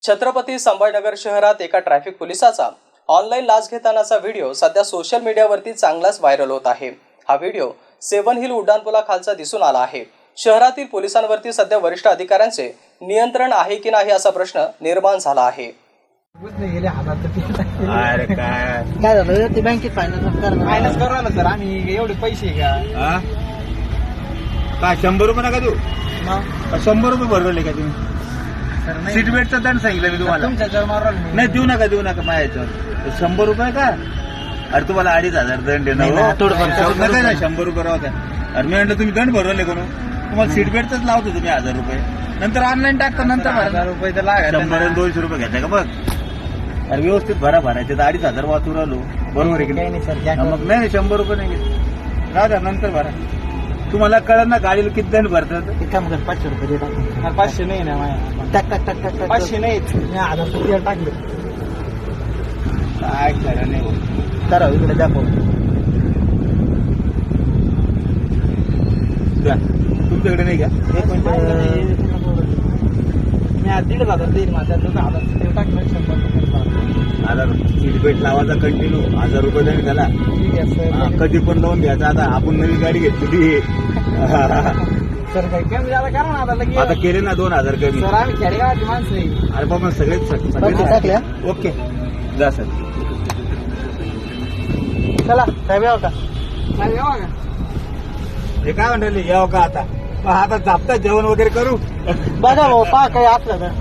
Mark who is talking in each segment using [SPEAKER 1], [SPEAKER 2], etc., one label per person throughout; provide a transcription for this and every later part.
[SPEAKER 1] छत्रपती संभाजीनगर शहरात एका traffic पोलिसाचा online लाच घेतानाचा व्हिडिओ सध्या सोशल मीडियावरती चांगलाच व्हायरल होत आहे। हा व्हिडिओ सेवन हिल उड्डाणपुलाखालचा दिसून आला आहे। शहरातील पोलिसांवरती सध्या वरिष्ठ अधिकाऱ्यांचे नियंत्रण आहे की नाही असा प्रश्न निर्माण झाला आहे।
[SPEAKER 2] अरे काय
[SPEAKER 3] झालं ते बँकेत फायनान्स
[SPEAKER 2] करू ना सर, आम्ही एवढे पैसे का काय 100 रुपये नका देऊ? 100 रुपये भरवले का तुम्ही? सीट बेल्टचा दंड सांगितलं मी तुम्हाला। नाही देऊ नका माझ्या 100 रुपये का? अरे तुम्हाला 2,500 दंड आहे ना, 100 रुपये राहू द्या। अरे मी म्हटलं तुम्ही दंड भरवले करून तुम्हाला सीट बेल्टच लावतो तुम्ही 1000 रुपये, नंतर ऑनलाईन टाकतो, नंतर 1000 रुपये तर लागेल, 100 आणि 200 रुपये घेताय का? बघ अरे व्यवस्थित भरायचे तर 2,500 वाचू राहिलो, बरोबर आहे की नाही? मग नाही 100 रुपये नाही घेत, राहू द्या नंतर भरा। तुम्हाला कळलं ना गाडीला किती दंड भरतात?
[SPEAKER 3] 500 रुपये
[SPEAKER 2] 500 नाही ना माझ्या,
[SPEAKER 3] टाक
[SPEAKER 2] 500 नाहीच,
[SPEAKER 3] 1000 रुपये टाकले
[SPEAKER 2] काय खरं नाही।
[SPEAKER 3] तर इकडे दाखव
[SPEAKER 2] तुमच्याकडे नाही का?
[SPEAKER 3] एक मिनिट
[SPEAKER 2] मी 1,500 देईल माझ्या 1000 टाकलं, 100 रुपये
[SPEAKER 4] 1000 सीट बेल्ट लावायचा कंटिन्यू 1000 रुपये दंड झाला।
[SPEAKER 2] ठीक आहे सर।
[SPEAKER 4] कधी पण लावून घ्यायचा। आता आपण नवी गाडी घेतली
[SPEAKER 2] सर काही कमी झाला करा ना आता लगेच।
[SPEAKER 4] आता केले ना 2000 कमी।
[SPEAKER 2] सर आम्ही खेडेगावाची माणसं आहे।
[SPEAKER 4] अरे बाबा सगळे
[SPEAKER 3] टाकल्या
[SPEAKER 4] ओके जा सर।
[SPEAKER 3] चला साहेब यावं का?
[SPEAKER 2] नाही येवा का?
[SPEAKER 4] हे काय म्हणले याव का? आता जापता जेवण वगैरे करू।
[SPEAKER 3] बघा भाऊ पहा काही असलं तर।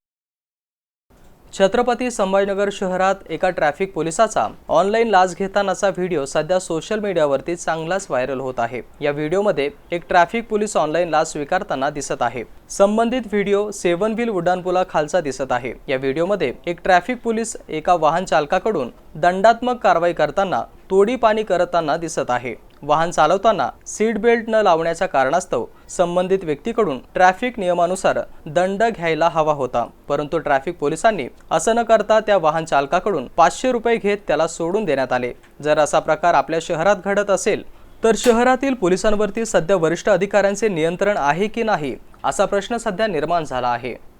[SPEAKER 1] छत्रपती संभाजीनगर शहरात एका ट्रॅफिक पोलिसाचा ऑनलाईन लाच घेतानाचा व्हिडिओ सध्या सोशल मीडियावरती चांगलाच व्हायरल होत आहे। या व्हिडिओमध्ये एक ट्रॅफिक पोलीस ऑनलाईन लाच स्वीकारताना दिसत आहे। संबंधित व्हिडिओ सेवन व्हील उड्डाणपुलाखालचा दिसत आहे। या व्हिडिओमध्ये एक ट्रॅफिक पोलीस एका वाहन चालकाकडून दंडात्मक कारवाई करताना तोडीपाणी करताना दिसत आहे। वाहन चालवताना सीट बेल्ट न लावण्याच्या कारणास्तव संबंधित व्यक्तीकडून ट्रॅफिक नियमानुसार दंड घ्यायला हवा होता, परंतु ट्रॅफिक पोलिसांनी असं न करता त्या वाहन चालकाकडून 500 रुपये घेत त्याला सोडून देण्यात आले। जर असा प्रकार आपल्या शहरात घडत असेल तर शहरातील पोलिसांवरती सध्या वरिष्ठ अधिकाऱ्यांचे नियंत्रण आहे की नाही असा प्रश्न सध्या निर्माण झाला आहे।